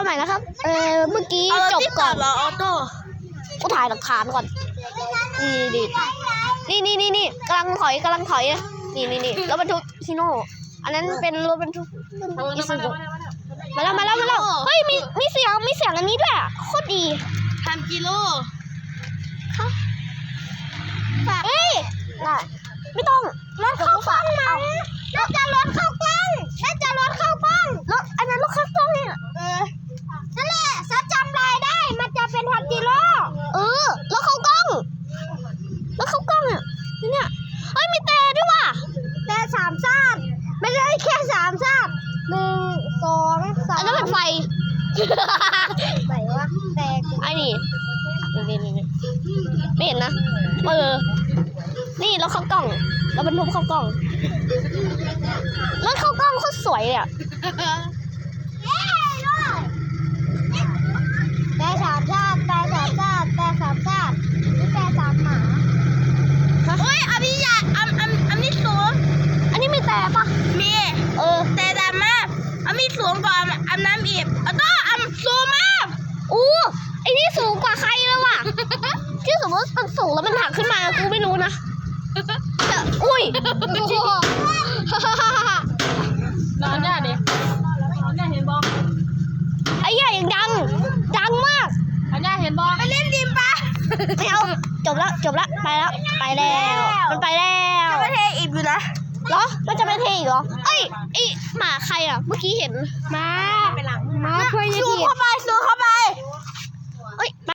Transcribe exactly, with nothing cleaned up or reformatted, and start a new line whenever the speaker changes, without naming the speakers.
ใหม่นะครับเออเมื่อกี้จบก่อนออโต้กูถ่ายหลักฐานก่อนนี่นี่นี่นี่นี่กำลังถอยกำลังถอยนี่นี่นี่รถบรรทุกฮิโน่อันนั้นเป็นรถบรรทุกอิซูซุมาแล้วมาแล้วมาแล้วเฮ้ยมีมีเสียงมีเสียงอันนี้ด้วยโคตรดี
ทำกิโล
เอ้ยไม่ต้องรถเข้ากล้องมาน่าจะรถเข้ากล้องน่าจะรถเข้ากล้องรถอันนั้นรถเข้ากล้องเนี่ยเออนั่นแหละซับจำลายได้มันจะเป็นพันกิโลเออรถเข้ากล้องรถเข้ากล้องอ่ะเนี่ยเอ้ยมีแต่ด้วยว่ะแต่สามซาดไม่ได้แค่สามซาดหนึ่งสองสามอันนั้นเป็นไฟไหนวะแตกไอ้นี่นี่นี่นี่ไม่เห็นนะเออนี่รถเข้ากล้องรถบรรทุกเข้ากล้องรถเข้ากล้องโคตรสวยเลยอ่ะแต่สามชาติแต่สามชาติแต่สามชาตินี่แต่สามหมา
เฮ้ยอันนี้ใหญ่อันอันอันนี้สูง
อันนี้มีแต่ปะ
มี
เออ
แต่ดำมากอันนี้สูงกว่าอันน้ำอีกอันก็อันสูงมาก
อู้ไอ้นี่สูงกว่าใครแล้วว่ะที่สมมติมันสูงแล้วมันหักขึ้นมากูไม่รู้นะอุ้ย
นอนเนี่ยดินอนเนี่ยเห็นบอล
ไอ้ใหญ่ดังดังมาก
นอนเนี่ยเห็นบอลไปเล่นดิมปะ
ไม่เอาจบแล้วจบแล้วไปแล้วไปแล้วมันไปแล้ว
จะไม่เทอีกอยู่นะ
เหรอมันจะไม่เทอีกเหรอเอ้ยไอหมาใครอ่ะเมื่อกี้เห็น
มา
มาช่วย
ซูเข้าไปซูเข้าไป
เอ้ย